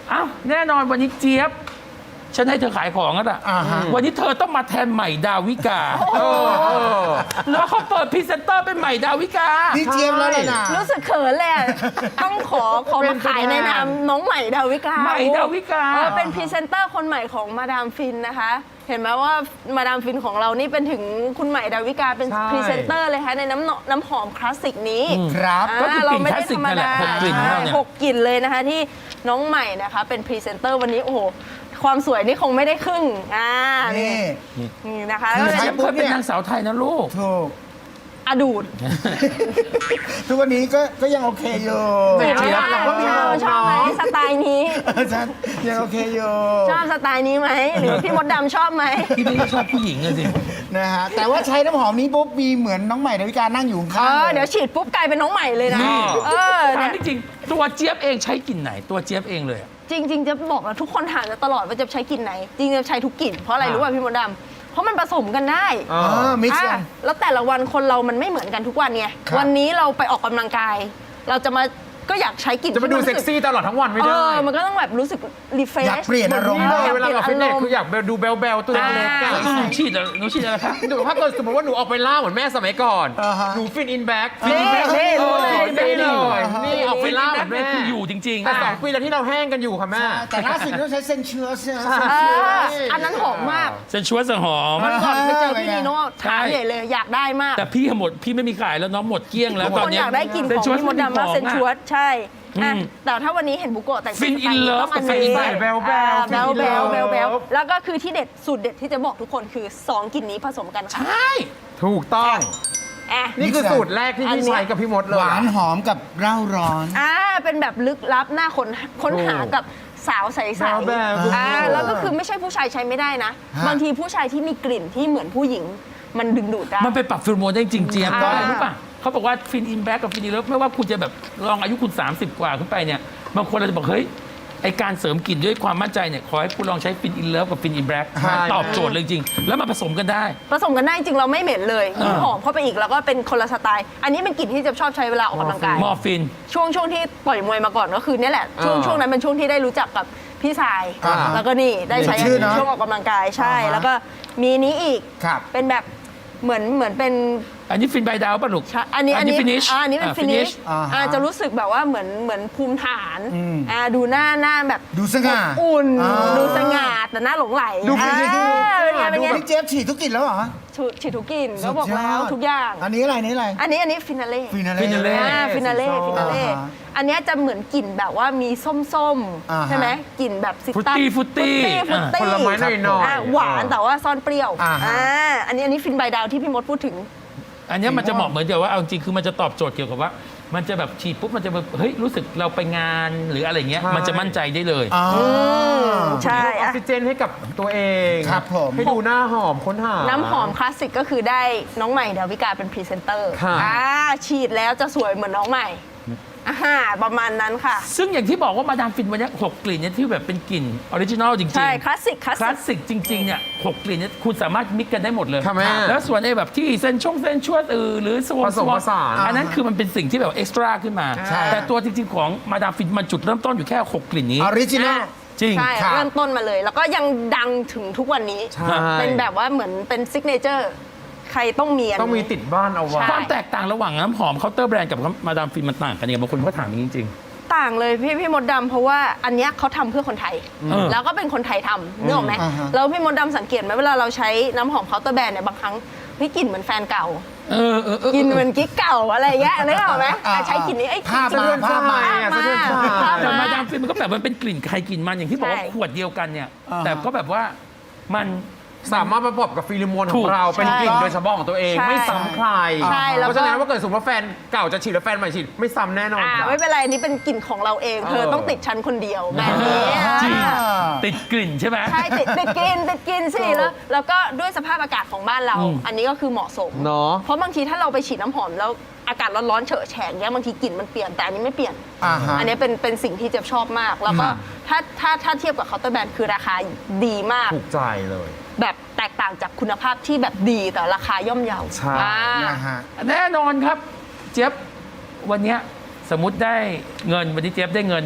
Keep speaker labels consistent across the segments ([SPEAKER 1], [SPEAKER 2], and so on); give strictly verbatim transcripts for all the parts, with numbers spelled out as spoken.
[SPEAKER 1] อ้าวแน่นอนวันนี้เจี๊ยบฉันให้เธอขายของแล้วล่ะวันนี้เธอต้องมาแทนใหม่ดาวิกาแล้วเขาเปิดพรีเซนเตอร์เป็นใหม่ดาวิกา
[SPEAKER 2] พี่เจี๊ยบแล้วนะ
[SPEAKER 3] รู้สึกเขินเลยต้องขอขอมาขายในนามน้องใหม่ดาวิกา
[SPEAKER 1] ใหม่ดาวิกา
[SPEAKER 3] เป็นพรีเซนเตอร์คนใหม่ของมาดามฟินนะคะเห็นไหมว่ามาดามฟินของเรานี่เป็นถึงคุณใหม่ดาวิกาเป็นพรีเซนเตอร์เลยค่ะในน้ำน้ำหอมคลาสสิกนี้
[SPEAKER 2] ครับ
[SPEAKER 1] ก็คือกลิ่นคลาสสิกนั่นแหละหกกลิ่น
[SPEAKER 3] หกกลิ่นเลยนะคะที่น้องใหม่นะคะเป็นพรีเซนเตอร์วันนี้โอ้โหความสวยนี่คงไม่ได้ครึ่งอ่านี่นี่นะคะ
[SPEAKER 1] แล้วเจี๊ยบเคยเป็นนางสาวไทยนะลูก
[SPEAKER 2] ถูก
[SPEAKER 3] อดูด
[SPEAKER 2] ทุกวันนี้ก็ก็ยังโอเคอยู่
[SPEAKER 3] เจี๊ยบเราก็มีชอบไหมสไตล์นี้
[SPEAKER 2] ยังโอเคอยู่
[SPEAKER 3] ชอบสไตล์นี้ไหมหรือพี่มดดำชอบไหม
[SPEAKER 1] พี่ไม่ชอบผู้หญิงเลยสิ
[SPEAKER 2] นะฮะแต่ว่าใช้น้ำหอมนี้ปุ๊บมีเหมือนน้องใหม่ดาวิกานั่งอยู่ข้าง
[SPEAKER 3] เดี๋ยวฉีดปุ๊บกลายเป็นน้องใหม่เลยนะเออ
[SPEAKER 1] ถามจริงๆตัวเจี๊ยบเองใช้กลิ่นไหนตัวเจี๊ยบเองเลย
[SPEAKER 3] จริงๆจะบอกว่าทุกคนถามจะตลอดว่าจะใช้กลิ่นไหนจริงๆจะใช้ทุกกลิ่นเพราะอะไรรู้ป่ะพี่มดดำเพราะมันผสมกันได้
[SPEAKER 2] อ๋อมิกซ์กัน
[SPEAKER 3] แล้วแต่ละวันคนเรามันไม่เหมือนกันทุกวันไงวันนี้เราไปออกกำลังกายเราจะมาก็อยากใช้กลิ่น
[SPEAKER 4] จะมาดูเซ็กซี่ตลอดทั้งวันไม่ได้
[SPEAKER 3] มันก็ต้องแบบรู้สึกรีเฟรช
[SPEAKER 2] อยากเปลี่ยนอารมณ์
[SPEAKER 4] เวลาเราฟิตเนสคืออยากดูเบลเบลตัวเล็กๆ
[SPEAKER 1] หนูฉีดหนูฉีดอะไรคะ
[SPEAKER 4] หนูถ้าเกิดสมมติว่าหนูออกไปล่าเหมือนแม่สมัยก่อนหนูฟินอินแบ็ก
[SPEAKER 3] ฟินอินแบ็กนี่
[SPEAKER 4] นี่เลยนี่ออกไปล่าเหมือนแม่
[SPEAKER 1] คืออยู่จริงๆ
[SPEAKER 4] แต่สองปีแล้วที่เราแห้งกันอยู่ค่ะแม่
[SPEAKER 2] แต่ล่าสุดต้องใช้เซนชัวส์
[SPEAKER 3] อันนั้นหอมมาก
[SPEAKER 1] เซนชัวส์หอม
[SPEAKER 3] มันก่อนไปเจอพี่นีโน่ถามใหญ่เลยอยากได้มาก
[SPEAKER 1] แต่พี่หมดพี่ไม่มีขายแล้วน้องหมดเกลี้ยงแล้วตอนนี้
[SPEAKER 3] อยากได้กลิ่นของพี่มดดำมาเซนชัวส์ใช่แต่ถ้าวันนี้เห็นบุโกะแต่ง
[SPEAKER 1] ฟินอินเลิฟกับฟิน
[SPEAKER 4] ใส่เบลเบล
[SPEAKER 3] เบลเบลเบลเบลแล้วก็คือที่เด็ดสูตรเด็ดที่จะบอกทุกคนคือสองกลิ่นนี้ผสมกัน
[SPEAKER 1] ใช่
[SPEAKER 4] ถูกต้องนี่คือสูตรแรกที่พี่ใช้กับพี่มดเลย
[SPEAKER 2] หวานหอมกับเร่าร้อน
[SPEAKER 3] อ่าเป็นแบบลึกลับหน้าค้นค้นหากับสาวใสๆอ่าแล้วก็คือไม่ใช่ผู้ชายใช้ไม่ได้นะบางทีผู้ชายที่มีกลิ่นที่เหมือนผู้หญิงมันดึงดูดได้
[SPEAKER 1] มันไปปรับฟิลโมนได้จริงเจี๊ยบก็อะไรรู้ป่ะเขาบอกว่าฟินอินแบ็กกับฟินอินเลิฟไม่ว่าคุณจะแบบลองอายุคุณสามสิบกว่าขึ้นไปเนี่ยบางคนเราจะบอกเฮ้ยไอการเสริมกลิ่นด้วยความมั่นใจเนี่ยขอให้คุณลองใช้ฟินอินเลิฟกับฟินอินแบ็กตอบโจทย์เลยจริงแล้วมาผสมกันได้
[SPEAKER 3] ผสมกันได้จริงเราไม่เหม็นเลยยิ่งหอมเข้าไปอีกแล้วก็เป็นคนละสไตล์อันนี้เป็นกลิ่นที่จะชอบใช้เวลาออกกำลังกาย
[SPEAKER 1] มอร์ฟิน
[SPEAKER 3] ช่วงช่วงที่ต่อยมวยมาก่อนก็คือนี่แหละช่วงช่วงนั้นเป็นช่วงที่ได้รู้จักกับพี่ชายแล้วก็นี่ได้ใช้ช่วงออกกำลังกายใช่แล้วก็มีนี้อีกเป็นแบบเหมือนเหมือนเป็น
[SPEAKER 1] อันนี้ฟินใบดาวป่ะลูก
[SPEAKER 3] อันนี้อันนี้
[SPEAKER 1] ฟินิช
[SPEAKER 3] อันนี้เป็นฟินิชอ่าจะรู้สึกแบบว่าเหมือนเหมือนภูมิฐานอ่าดูหน้าหน้าแบบ
[SPEAKER 2] ดูสง่า
[SPEAKER 3] อุ่นดูสง่าแต่หน้าหลงไหล
[SPEAKER 2] ดูเป็นไง
[SPEAKER 3] เป็นไงเป็นไง
[SPEAKER 2] พี่เจี๊ยบฉีดทุกกลิ่นแล้วเหรอ
[SPEAKER 3] ฉีดทุกกลิ่นก็บอกแล้วทุกอย่าง
[SPEAKER 2] อันนี้อะไรนี่อะไร
[SPEAKER 3] อันนี้อันนี้ฟินาเล่
[SPEAKER 2] ฟินาเล่
[SPEAKER 1] ฟินาเล่
[SPEAKER 3] ฟินาเล่ฟินาเล่อันนี้จะเหมือนกลิ่นแบบว่ามีส้มๆใช่ไหมกลิ่นแบบ
[SPEAKER 1] ฟุตตี้ฟุตตี้
[SPEAKER 4] ผลไม้หน่อย
[SPEAKER 3] ๆหวานแต่ว่าซ่อนเปรี้ยวอ่าอันนี้อันนี้ฟินใบดาวที่พี่มดพูดถึง
[SPEAKER 1] อันนี้มันจะเหมาะเหมือนเดียวว่าเอาจริงคือมันจะตอบโจทย์เกี่ยวกับว่ามันจะแบบฉีดปุ๊บมันจะแบบเฮ้ยรู้สึกเราไปงานหรืออะไรเงี้ยมันจะมั่นใจได้เลย
[SPEAKER 3] ใช่
[SPEAKER 4] ออกซิเจนให้กับตัวเอง
[SPEAKER 2] ครับผม
[SPEAKER 4] ให้ดูหน้าหอมค้นหา
[SPEAKER 3] น้ำหอมคลาสสิกก็คือได้น้องใหม่ดาวิกาเป็นพรีเซนเตอร์อ่าฉีดแล้วจะสวยเหมือนน้องใหม่อ่าประมาณนั้นค่ะ
[SPEAKER 1] ซึ่งอย่างที่บอกว่ามาดามฟินวันนี้หกกลิ่นเนี่ยที่แบบเป็นกลิ่นออริจินอลจริงๆ
[SPEAKER 3] ใช่คลาสสิก
[SPEAKER 1] คลาสสิกจริงๆเนี่ยหกกลิ่นเนี่ยคุณสามารถมิกกันได้หมดเลยแล้วส่วนไอ้แบบที่เส้นช่องเส้นชวดเออหรือสว
[SPEAKER 4] ผสมผสาน
[SPEAKER 1] อันนั้นคือมันเป็นสิ่งที่แบบเอ็กซ์ตร้าขึ้นมาแต่ตัวจริงๆของมาดามฟินมันจุดเริ่มต้นอยู่แค่หกกลิ่นนี้
[SPEAKER 2] ออริจินอล
[SPEAKER 1] จริง
[SPEAKER 3] ใช่เริ่มต้นมาเลยแล้วก็ยังดังถึงทุกวันนี้เป็นแบบว่าเหมือนเป็นซิกเนเจอร์ใครต้องมี
[SPEAKER 4] ต้องมีติดบ้านเอาไว้
[SPEAKER 1] ความแตกต่างระหว่างน้ำหอมเคาน์เตอร์แบรนด์กับมาดามฟินมันต่างกันยังไงบางคนก็ถามจริง
[SPEAKER 3] ๆต่างเลยพี่พี่มดดำเพราะว่าอันเนี้ยเขาทำเพื่อคนไทยแล้วก็เป็นคนไทยทำนึกออกไหมแล้วพี่มดดำสังเกตไหมเวลาเราใช้น้ำหอมเคาน์เตอร์แบรนด์เนี่ยบางครั้งพี่กลิ่นเหมือนแฟนเก่ากินเหมือนกิ๊กเก่าอะไรอย่างเงี้ยนึกออกไหมใช้กลิ่นนี้ไอ้
[SPEAKER 2] ภาพมาภาพมา
[SPEAKER 1] แต่มาดามฟินมันก็แบบมันเป็นกลิ่นใครกลิ่นมันอย่างที่บอกว่าขวดเดียวกันเนี่ยแต่ก็แบบว่ามัน
[SPEAKER 4] สามารถประกอบกับฟีโรโมนของเราเป็นกลิ่นโดยเฉพาะของตัวเองไม่ซ้ำใครเพราะฉะนั้นว่าเกิดสมมติว่าแฟนเก่าจะฉีดแล้วแฟนใหม่ฉีดไม่ซ้ำแน่นอน
[SPEAKER 3] ไม่เป็นไรนี่เป็นกลิ่นของเราเองเธอต้องติดชั้นคนเดียวแบบนี้
[SPEAKER 1] ติดกลิ่นใช่ไหม
[SPEAKER 3] ใช่ติดติดกลิ่นติดกลิ่นสิแล้วแล้วก็ด้วยสภาพอากาศของบ้านเราอันนี้ก็คือเหมาะสม
[SPEAKER 4] เนาะ
[SPEAKER 3] เพราะบางทีถ้าเราไปฉีดน้ำหอมแล้วอากาศร้อนๆเฉอะแฉะเนี้ยบางทีกลิ่นมันเปลี่ยนแต่อันนี้ไม่เปลี่ยนอันนี้เป็นเป็นสิ่งที่เจ็บชอบมากแล้วก็ถ้าถ้าถ้าเทียบกับเคาน์เตอร์แบรนด์คือราคาดีมาก
[SPEAKER 4] ถูกใจเลย
[SPEAKER 3] แบบแตกต่างจากคุณภาพที่แบบดีแต่ราคาย่อมเยา
[SPEAKER 4] ใช่
[SPEAKER 1] แน่นอนครับเจี๊ยบวันนี้สมมติได้เงินวันนี้เจี๊ยบได้เงินจาก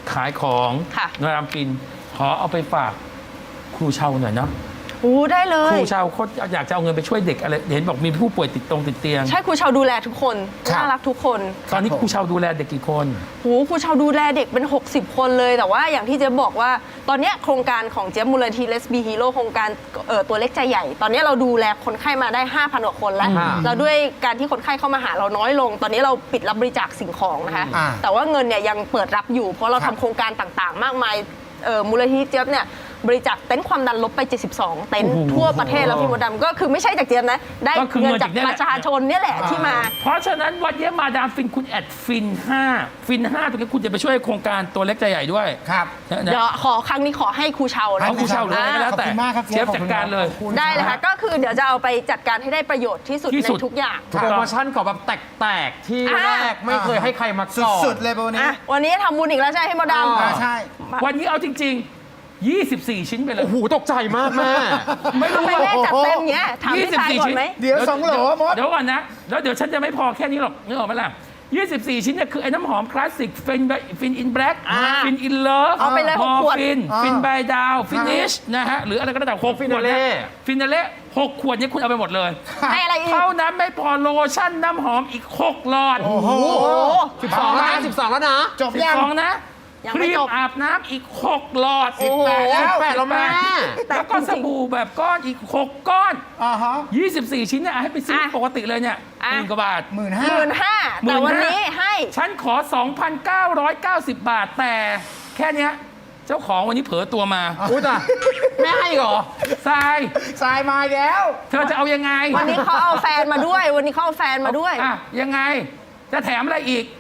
[SPEAKER 1] ขายของ
[SPEAKER 3] ค่ะ
[SPEAKER 1] มาดามฟินขอเอาไปฝากครูเชาหน่อยนะ
[SPEAKER 3] โอ้ได้เล
[SPEAKER 1] ค
[SPEAKER 3] ย
[SPEAKER 1] รูเชาเขาอยากจะเอาเงินไปช่วยเด็กอะไรเห็นบอกมีผู้ป่วยติดตรงติดเตียง
[SPEAKER 3] ใช่ครูชาวดูแลทุกคน
[SPEAKER 2] ครับ
[SPEAKER 3] น่ารักทุกคน
[SPEAKER 1] ตอนนี้ครูเชาดูแลเด็กกี่คน
[SPEAKER 3] โหครูชาวดูแลเด็กเป็น หกสิบ คนเลย แต่ว่าอย่างที่เจ๊บอกว่า ตอนเนี้ยโครงการของเจ๊มูลนิธิเลสบีฮีโร่โครงการเอ่อตัวเล็กใจใหญ่ ตอนเนี้ยเราดูแลคนไข้มาได้ ห้าพัน กว่าคนแล้ว
[SPEAKER 4] อ่า
[SPEAKER 3] แล้วด้วยการที่คนไข้เข้ามาหาเราน้อยลง ตอนนี้เราปิดรับบริจาคสิ่งของนะคะ
[SPEAKER 2] อ่า
[SPEAKER 3] แต่ว่าเงินเนี่ยยังเปิดรับอยู่ เพราะเรา
[SPEAKER 2] ครั
[SPEAKER 3] ทำ
[SPEAKER 2] บ
[SPEAKER 3] โครงการต่างๆ มากมายเอ่อมูลนิธิเจ๊ยบเนี่ยบริจาคเต็นท์ความดันลบไป เจ็ดสิบสอง เต็นท์ทั่วประเทศแล้วพี่มดดำก็คือไม่ใช่จากเจ๊ยบนะ ได้
[SPEAKER 1] ก็คือ
[SPEAKER 3] เงิน
[SPEAKER 1] เงิน
[SPEAKER 3] จาก
[SPEAKER 1] จากเนี่ยแห
[SPEAKER 3] ป
[SPEAKER 1] ละ
[SPEAKER 3] ระชาชนเนี่ยแหละที่มา
[SPEAKER 1] เพราะฉะนั้นวันนี้มาดามฟินคุณแอดฟินห้าฟินห้าตรงนี้คุณจะไปช่วยโครงการตัวเล็กใจใหญ่ด้วย
[SPEAKER 2] ครับ
[SPEAKER 1] นะ
[SPEAKER 3] เดี๋ยวขอครั้งนี้ขอให้ครูเชานะ
[SPEAKER 1] เอาครูเชาหรืออะไรก็แล้วแต่
[SPEAKER 2] ขอบคุณมากครับ
[SPEAKER 1] เชฟจัดการเลย
[SPEAKER 2] ขอบคุณ
[SPEAKER 3] ได้เลยค่ะ ก็คือเดี๋ยวจะเอาไปจัดการให้ได้ประโยชน์ที่สุด
[SPEAKER 1] ที่
[SPEAKER 3] ใน
[SPEAKER 1] สุด
[SPEAKER 3] ทุกอย่าง
[SPEAKER 1] ถูก
[SPEAKER 4] โปร
[SPEAKER 1] ต้อง
[SPEAKER 4] โมชั่นของแบบแตกๆที่
[SPEAKER 3] อ่า
[SPEAKER 4] แรกไม่เคยให้ใครมาก่อน
[SPEAKER 2] สุดๆเลยโบนี้
[SPEAKER 3] อ่ะวันนี้ทำบุญอีกแล้วใช่ไหมพี่มดด
[SPEAKER 4] อ่า
[SPEAKER 2] อ่า
[SPEAKER 3] ำ
[SPEAKER 2] ใช่
[SPEAKER 1] วันนี้เอาจริง ๆ ยี่สิบสี่ ชิ้นไปเลย
[SPEAKER 4] โอ้โหตกใจมากแม่
[SPEAKER 1] ไม่รู้
[SPEAKER 3] ทำไม
[SPEAKER 1] ว่า
[SPEAKER 3] แม่จัดเต็มเงี้ยถามพี่ชายก่อนไหม
[SPEAKER 2] เดี๋ยวสองโหลมด
[SPEAKER 1] เดี๋ยวก่อนนะ แล้วเดี๋ยวฉันจะไม่พอแค่นี้หรอกนึกออกไหมล่ะ ยี่สิบสี่ ชิ้นเนี่ยคือไอ้น้ำหอมคลาสสิกฟินฟินอินแบล็ก
[SPEAKER 3] อ่า
[SPEAKER 1] ฟินอินเลิฟ
[SPEAKER 3] เอาไปเลยหกขวด
[SPEAKER 1] ฟิน
[SPEAKER 2] อ่า
[SPEAKER 1] ฟินบายดาวฟินิชนะฮะหรืออะไรก็แล้วแต่หกขวด
[SPEAKER 4] Finale
[SPEAKER 1] ฟินาเล่หกขวดเนี่ยคุณเอาไปหมดเลย
[SPEAKER 3] ให้อะไรอีก
[SPEAKER 1] เท่านั้นไม่พอโลชั่นน้ำหอมอีกหกหลอด
[SPEAKER 2] โอ้โห
[SPEAKER 3] โอ้
[SPEAKER 4] สิบสองแล้วนะสิบสองแล้วนะ
[SPEAKER 2] จบยัง
[SPEAKER 1] สองนะ
[SPEAKER 3] ยัง
[SPEAKER 1] ค
[SPEAKER 3] ไม่
[SPEAKER 1] รีม
[SPEAKER 3] จบ
[SPEAKER 1] อาบน้ำอีกหกหลอด
[SPEAKER 3] โอ้โห
[SPEAKER 2] สิบแปดแล้ว
[SPEAKER 4] แปดแล้วแม่
[SPEAKER 1] แล้วก็สบู่แบบก้อนอีกหกก้อน
[SPEAKER 2] อ่าฮะ
[SPEAKER 1] ยี่สิบสี่ ชิ้นเนี่ยให้ไปซื้อ
[SPEAKER 3] อ่ะ
[SPEAKER 1] ปกติเลยเนี่ยห
[SPEAKER 3] อ่ะ
[SPEAKER 1] มื่นกว่าบาท
[SPEAKER 2] หมื่น
[SPEAKER 3] ห
[SPEAKER 2] ห้า
[SPEAKER 3] มื่นห้าแต่วันนี้ให้
[SPEAKER 1] ฉันขอ สองพันเก้าร้อยเก้าสิบ บาท แต่แค่เนี้ยเจ้าของวันนี้เผลอตัวมา
[SPEAKER 4] อุ้ยแต่แม่ให้เหรอ
[SPEAKER 1] ทราย
[SPEAKER 2] ทรายมาอีกแล้ว
[SPEAKER 1] เธอจะเอายังไง
[SPEAKER 3] วันนี้เขาเอาแฟนมาด้วย วันนี้เขาเอาแฟนมาด้วย
[SPEAKER 1] อ่ะยังไง จะแถมอะไรอีก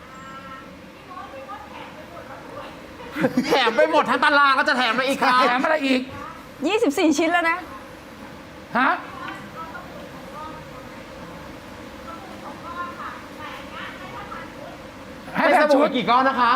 [SPEAKER 4] แถมไปหมดทั้งตารางก็จะแถมมาอีกครับ
[SPEAKER 1] แถมอะไรอีก
[SPEAKER 3] ยี่สิบสี่ ชิ้นแล้วนะ
[SPEAKER 1] ฮะ ให้
[SPEAKER 4] ให้
[SPEAKER 1] แบ
[SPEAKER 4] ส
[SPEAKER 1] บ
[SPEAKER 4] บู่
[SPEAKER 1] ชุด
[SPEAKER 4] กี่ก้อนนะคะ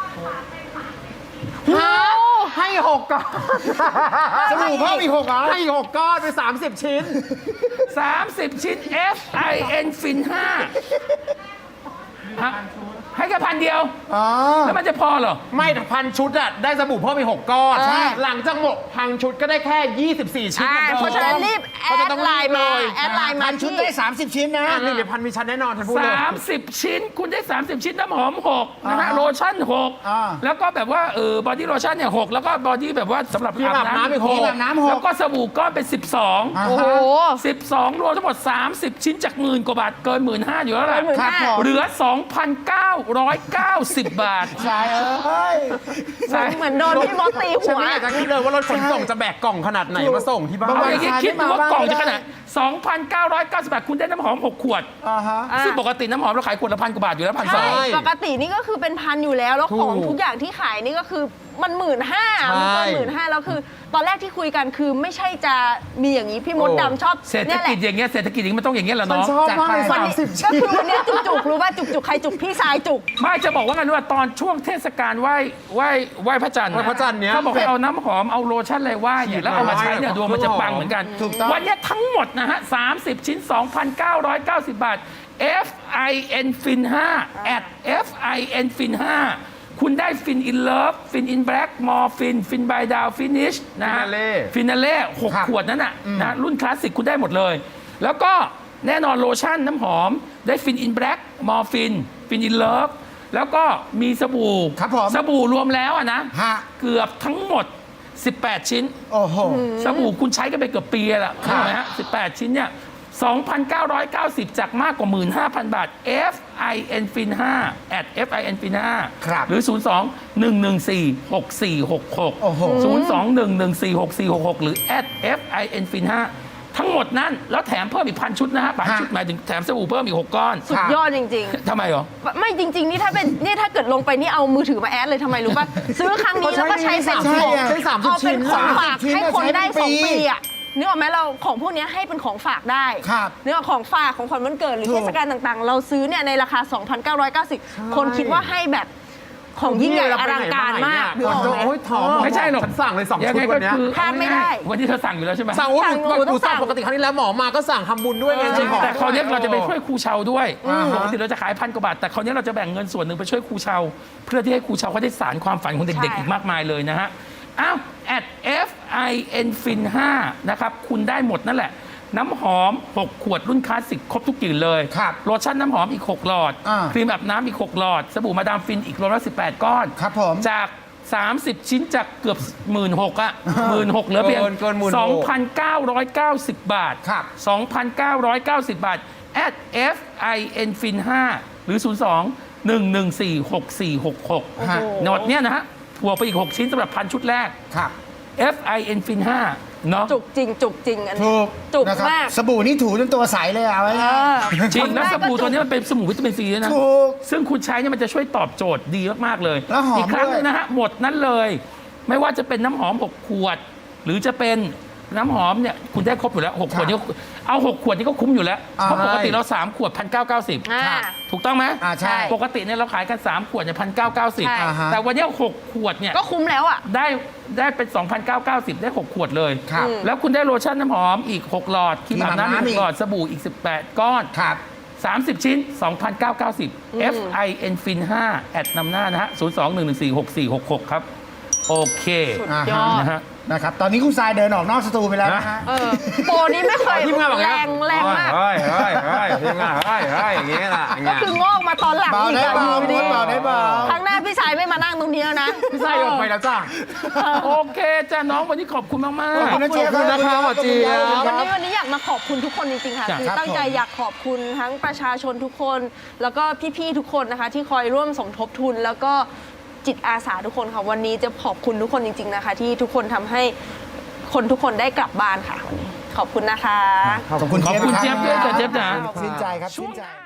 [SPEAKER 4] ฮะให้หกก้อน
[SPEAKER 2] สบู่เพิ่มอีกหกเหรอ
[SPEAKER 4] ให้หกก้อนไปสามสิบชิ้น
[SPEAKER 1] สามสิบ ชิ้น F I N ฟินห้าฮะให้แค่พันเดียว
[SPEAKER 2] อ๋อ
[SPEAKER 1] แล้วมันจะพอเหรอ
[SPEAKER 4] ไม่พันชุดอะได้สบู่เพิ่มไปหกก้อน
[SPEAKER 3] ใช่
[SPEAKER 4] หลังจากหมดพันชุดก็ได้แค่ยี่สิบสี่ชิ้น
[SPEAKER 3] อ่า
[SPEAKER 4] หมือดิม
[SPEAKER 3] เพราะฉะนั้นรีบแอ
[SPEAKER 4] เพราะฉะ
[SPEAKER 3] ด
[SPEAKER 4] นั้นต้อง
[SPEAKER 3] ไล
[SPEAKER 4] รีบ
[SPEAKER 3] น์มา
[SPEAKER 4] เลย
[SPEAKER 3] แอดไลน์มา
[SPEAKER 2] พันชุด
[SPEAKER 3] ที่
[SPEAKER 2] ได้สามสิบชิ้นนะ
[SPEAKER 4] อ่ะหนึ่งหรือพันมีชั้นแน่นอนฉันพูดเลย
[SPEAKER 1] สามสิบ ชิ้น คุณได้ สามสิบ ชิ้นน้ำหอมหกนะฮะ
[SPEAKER 2] อ่า
[SPEAKER 1] โลชั่นหก
[SPEAKER 2] อ่า
[SPEAKER 1] แล้วก็แบบว่าเออบอดี้โลชั่นเนี่ยหกแล้วก็บอดี้แบบว่าสำหรับ
[SPEAKER 4] ครีมอาบน้ำอีกหก
[SPEAKER 2] ครีมอาบน้ำหก
[SPEAKER 1] แล้วก็สบู่ก้อนเป็น สิบสอง
[SPEAKER 2] อ่า
[SPEAKER 3] โอ้โห
[SPEAKER 1] สิบสองรวมทั้งหมด สามสิบ ชิ้นจากหมื่นกว่าบาทเกินหมื่นห้าอยู่แล้วแหละ
[SPEAKER 3] เกินหมื่น
[SPEAKER 2] ครับผม
[SPEAKER 1] เหลือ สองพันเก้าร้อยเก้าสิบ บาท
[SPEAKER 2] ทรายเอ้ย
[SPEAKER 1] ใช่
[SPEAKER 3] เหมือนโดนพี่มดตี
[SPEAKER 4] ฉั
[SPEAKER 3] หั
[SPEAKER 4] น
[SPEAKER 3] ว
[SPEAKER 4] ไม่อยากจะคิดเลยว่ารถขนส่งจะแบกกล่องขนาดไหนมาส่งที่บ้า
[SPEAKER 2] บาง
[SPEAKER 1] เอา
[SPEAKER 2] วั
[SPEAKER 1] อย่างงี้คิดดูว่ากล่องจะขนาด สองพันเก้าร้อยเก้าสิบ บาท คุณได้น้ำหอมหกขวด
[SPEAKER 2] อ่าฮะ
[SPEAKER 3] อ่ะ
[SPEAKER 1] ซึ่งปกติน้ำหอมเราขายขวดละพันกว่าบาทอยู่แล้วพันสอ
[SPEAKER 3] ใช่
[SPEAKER 1] ง
[SPEAKER 3] ปกตินี่ก็คือเป็นพันอยู่แล้ว แล้วของ
[SPEAKER 4] ถูก
[SPEAKER 3] ทุกอย่างที่ขายนี่ก็คือมันหมื่นห้า
[SPEAKER 4] ใช่
[SPEAKER 3] มันเกินหมื่นห้าแล้วคือ ตอนแรกที่คุยกันคือไม่ใช่จะมีอย่างนี้พี่มด
[SPEAKER 4] โอ้
[SPEAKER 3] ดำชอบ
[SPEAKER 1] เศรษฐ
[SPEAKER 3] เนี่ยแห
[SPEAKER 1] กิ
[SPEAKER 3] ละ
[SPEAKER 1] จอย่างเงี้ยเศรษฐกิจอย่างนี้มันต้องอย่างเงี้ยแหละ
[SPEAKER 4] ฉัน
[SPEAKER 1] น้อง
[SPEAKER 4] ชอบมากเลย
[SPEAKER 2] จัดไป
[SPEAKER 4] สามสิบ
[SPEAKER 3] ก็
[SPEAKER 4] ชิ้น
[SPEAKER 3] คือวันนี้จุกจุกๆรู้ว่าจุกจุกๆใครจุกพี่ชายจุก
[SPEAKER 1] ไม่จะบอกว่ากันว่าตอนช่วงเทศกาลไหว้ไหว้ไหว้พระจันทร์
[SPEAKER 4] ไหว้พระจันทร์เนี้ย
[SPEAKER 1] เขาบอกให้เอาน้ำหอมเอาโลชั่นอะไรไหว้เนี่ยแล้วเอามาใช้เนี่ย
[SPEAKER 4] ฉีด
[SPEAKER 1] ดวงมันจะปังเหมือนกัน
[SPEAKER 2] ถูกต้อง
[SPEAKER 1] วันเนี้ยทั้งหมดนะฮะสามสิบ ชิ้น สองพันเก้าร้อยเก้าสิบ บาท F I N ฟินห้า at F I N ฟินห้าคุณได้ฟินอินเลิฟฟินอินแบล็กมอร์ฟินฟินบายดาวฟินิชนะฮะ
[SPEAKER 4] Finale
[SPEAKER 1] ฟินาเล่หก
[SPEAKER 2] ครับ
[SPEAKER 1] ขวดนั้นน่ะนะรุ่นคลาสสิกคุณได้หมดเลย แล้วก็แน่นอนโลชั่นน้ำหอมได้ฟินอินแบล็กมอร์ฟินฟินอินเลิฟแล้วก็มีสบู่
[SPEAKER 2] ครับผม
[SPEAKER 1] สบู่รวมแล้วอะนะ
[SPEAKER 2] ฮะ
[SPEAKER 1] เกือบทั้งหมด สิบแปด ชิ้น
[SPEAKER 2] โอ้โห
[SPEAKER 1] สบู่คุณใช้กันไปเกือบปีแล้ว
[SPEAKER 2] ครั
[SPEAKER 1] ใช่
[SPEAKER 2] บ
[SPEAKER 1] ไหมฮะสิบแปด ชิ้นเนี่ย สองพันเก้าร้อยเก้าสิบ จากมากกว่า หนึ่งหมื่นห้าพัน บาท F I N ฟินห้า at F I N ฟินห้า
[SPEAKER 2] ครับ
[SPEAKER 1] หรือ ศูนย์ สอง หนึ่ง หนึ่ง สี่ หก สี่ หก หก
[SPEAKER 2] โอ้โห
[SPEAKER 1] ศูนย์ สอง หนึ่ง หนึ่ง สี่ หก สี่ หก หก หรือ at F I N ฟินห้าทั้งหมดนั้นแล้วแถมเพิ่มอีกพันชุดนะฮะพันชุดหมายถึงแถมสบู่เพิ่มอีกหกก้อน
[SPEAKER 3] สุดยอดจริง
[SPEAKER 1] ทำไมเหรอ
[SPEAKER 3] ๆ ไม่จริง ๆ นี่ถ้าเป็นนี่ถ้าเกิดลงไปนี่เอามือถือมาแอดเลยทำไมรู้ป่ะ ซื้อครั้งนี้แล้วก็ใช้เป็น
[SPEAKER 2] ใช่
[SPEAKER 3] ของ
[SPEAKER 2] อะ
[SPEAKER 4] ใช้สามสิบ
[SPEAKER 3] เอาเป็น
[SPEAKER 4] ชิ้น
[SPEAKER 3] ของฝาก
[SPEAKER 2] ชิ้น
[SPEAKER 3] ให้คนได้
[SPEAKER 2] ใช้เป็น
[SPEAKER 3] สอง
[SPEAKER 2] ปี
[SPEAKER 3] ปีอ่ะนึกออกไหมเราของพวกนี้ให้เป็นของฝากได้
[SPEAKER 2] ครับ
[SPEAKER 3] นึกออกของฝากของขวัญวันเกิดหรือ
[SPEAKER 2] ถูก
[SPEAKER 3] เทศกาลต่างๆ เราซื้อเนี่ยในราคา สองพันเก้าร้อยเก้าสิบ คนคิดว่าให้แบบของยิ่งใหญ่อลังการมาก
[SPEAKER 4] ก่อนจะโอ้ยถอม
[SPEAKER 1] ไม่ใช่หรอก
[SPEAKER 4] ฉันสั่งเลยสอง
[SPEAKER 1] ยัง
[SPEAKER 4] ชุ
[SPEAKER 1] ไง
[SPEAKER 4] ด
[SPEAKER 1] ก็
[SPEAKER 4] วันเนี้ย
[SPEAKER 1] คือ
[SPEAKER 3] พลาดไม่ได้
[SPEAKER 1] วันนี้เธอสั่งอยู่แล้วใช่ไหม
[SPEAKER 4] สั่งโอ้ย
[SPEAKER 3] สั่ง
[SPEAKER 4] หนู
[SPEAKER 3] หนู
[SPEAKER 4] หนูสั่ง
[SPEAKER 3] ต้องสั่ง
[SPEAKER 4] ปกติครั้งที่แล้วหมอมาก็สั่งทำบุญด้วยไง
[SPEAKER 1] จริง
[SPEAKER 4] ของ
[SPEAKER 1] แต่คราวนี้เราจะไปช่วยครูเชาด้วย
[SPEAKER 2] อ่าฮะ
[SPEAKER 1] ปกติเราจะขายพันกว่าบาทแต่คราวนี้เราจะแบ่งเงินส่วนหนึ่งไปช่วยครูเชาเพื่อที่ให้ครูเชาเขาได้สารความฝันของเด็กๆ
[SPEAKER 3] ใช่
[SPEAKER 1] อีกมากมายเลยนะฮะอ้าว at fin fin ห้านะครับคุณได้หมดนั่นแหละ น้ำหอม หก ขวดรุ่นคลาสสิกครบทุกกลิ่นเลย
[SPEAKER 2] ครับ
[SPEAKER 1] โลชั่นน้ำหอมอีก หก หลอด
[SPEAKER 2] อ่า
[SPEAKER 1] ครีมอาบน้ำอีก หก หลอด สบู่มาดามฟินอีกรวมแล้วสิบแปด ก้อน
[SPEAKER 2] ครับผม
[SPEAKER 1] จาก สามสิบ ชิ้นจากเกือบ หนึ่งหมื่นหกพัน อ่ะ หนึ่งหมื่นหกพัน เหลือเพียง
[SPEAKER 4] เกินเกินหมื่นหก
[SPEAKER 1] สองพันเก้าร้อยเก้าสิบ บาท
[SPEAKER 2] ครับ
[SPEAKER 1] สองพันเก้าร้อยเก้าสิบ บาท at fin fin ห้า หรือ ศูนย์ สอง หนึ่ง หนึ่ง สี่ หก สี่ หก หก
[SPEAKER 2] ฮะ
[SPEAKER 1] โนดเนี้ยนะฮะบวกไปอีก หก ชิ้นสำหรับพันชุดแรก
[SPEAKER 2] ครับ
[SPEAKER 1] fin fin ห้า เนาะ
[SPEAKER 3] จุกจริง จุกจริงอันนี้
[SPEAKER 2] ถูก
[SPEAKER 3] จุก
[SPEAKER 2] นะครับ
[SPEAKER 3] มาก
[SPEAKER 2] สบู่นี่ถูจนตัวใสเลยเอาไว้
[SPEAKER 3] เออ
[SPEAKER 1] จริงแล้วสบู่ตัว
[SPEAKER 3] จุก
[SPEAKER 1] นี้มันเป็นสบู่วิตามินซีด้วยนะ
[SPEAKER 2] ถูก
[SPEAKER 1] ซึ่งคุณใช้เนี่ยมันจะช่วยตอบโจทย์ดีมาก ๆ เลย
[SPEAKER 2] แล้วหอม
[SPEAKER 1] อีกครั้งหนึง
[SPEAKER 2] ด้วย
[SPEAKER 1] นะฮะ หมดนั้นเลย ไม่ว่าจะเป็นน้ำหอม หก ขวด หรือจะเป็นน้ำหอมเนี่ย คุณได้ครบอยู่แล้ว หก ขวดนี้ก็เอา หก ขวดนี้ก็คุ้มอยู่แล้ว
[SPEAKER 2] อ่า
[SPEAKER 1] เพราะปกติเรา สาม ขวด หนึ่งพันเก้าร้อยเก้าสิบ
[SPEAKER 3] อ่า
[SPEAKER 1] ถูกต้องไหม
[SPEAKER 2] อ่าใช่
[SPEAKER 1] ปกติเนี่ยเราขายกัน สาม ขวดเนี่ย หนึ่งพันเก้าร้อยเก้าสิบ
[SPEAKER 3] ใช่
[SPEAKER 2] อ่าฮะ
[SPEAKER 1] แต่วันเนี้ยหก ขวดเนี่ย
[SPEAKER 3] ก็คุ้มแล้วอ่ะ
[SPEAKER 1] ได้ได้เป็น สองพันเก้าร้อยเก้าสิบ ได้ หก ขวดเลย
[SPEAKER 2] ครับ
[SPEAKER 1] แล้วคุณได้โลชั่นน้ำหอมอีก หก หลอดครีมอาบน้ำ
[SPEAKER 2] ครีมอาบน้ำ
[SPEAKER 1] อีกหกหลอดสบู่อีก สิบแปด ก้อน
[SPEAKER 2] ครับ
[SPEAKER 1] สามสิบ ชิ้น สองพันเก้าร้อยเก้าสิบ fin fin ห้า แอดนำหน้านะฮะ ศูนย์ สอง หนึ่ง หนึ่ง สี่ หก สี่ หก หก ครับ โอเค
[SPEAKER 3] สุด
[SPEAKER 2] อ่าย
[SPEAKER 3] อด
[SPEAKER 1] นะฮะ
[SPEAKER 2] นะครับ ตอนนี้คุณทรายเดินออกนอกสตูไปแล้วนะฮะ
[SPEAKER 3] เออโปรนี้ไม่เคย
[SPEAKER 4] ทีมงานบอก
[SPEAKER 3] แร
[SPEAKER 4] แล้ว
[SPEAKER 3] งแรงมาก
[SPEAKER 4] เฮ้ยเฮ้ยเฮ้ยทีมงานเฮ้ยเฮ้ยอย่างเงี้ยล่ะอย่าง
[SPEAKER 3] ก็
[SPEAKER 4] เงี้ย
[SPEAKER 3] คืองอกมาตอนหลัง
[SPEAKER 2] เบา
[SPEAKER 3] อีก
[SPEAKER 2] ได้
[SPEAKER 3] อะ
[SPEAKER 2] เบา
[SPEAKER 3] อยู่ดี
[SPEAKER 2] เบาได้เบา
[SPEAKER 3] ครั้งหน้าพี่ชายไม่มานั่งตรงนี้แล้วนะ
[SPEAKER 4] พี่ไส้ออกไปแล้วจ้า
[SPEAKER 1] โอเคจ้าน้องวันนี้ขอบคุณมาก
[SPEAKER 2] ขอบคุณนะ
[SPEAKER 1] ๆ
[SPEAKER 2] เจี๊ยบ
[SPEAKER 4] ขอบคุณนะครับหมอเจี๊ยบ
[SPEAKER 3] วันนี้วันนี้อยากมาขอบคุณทุกคนจริงๆค่ะ
[SPEAKER 1] จ้ะ
[SPEAKER 3] คือ
[SPEAKER 2] ครับ
[SPEAKER 3] ตั้งใจ
[SPEAKER 2] ผม
[SPEAKER 3] อยากขอบคุณทั้งประชาชนทุกคน แล้วก็พี่ๆทุกคนนะคะ ที่คอยร่วมสมทบทุน แล้วก็จิตอาสาทุกคนค่ะวันนี้จะขอบคุณทุกคนจริง ๆนะคะ ที่ทุกคนทำให้คนทุกคนได้กลับบ้านค่ะวันนี้ขอบคุณนะคะ
[SPEAKER 2] ขอบคุณ
[SPEAKER 1] ขอบคุณเจี๊ยบด้วยจ้ะเจี๊ยบจ๋า
[SPEAKER 2] ชื่นใจครับชื่นใจ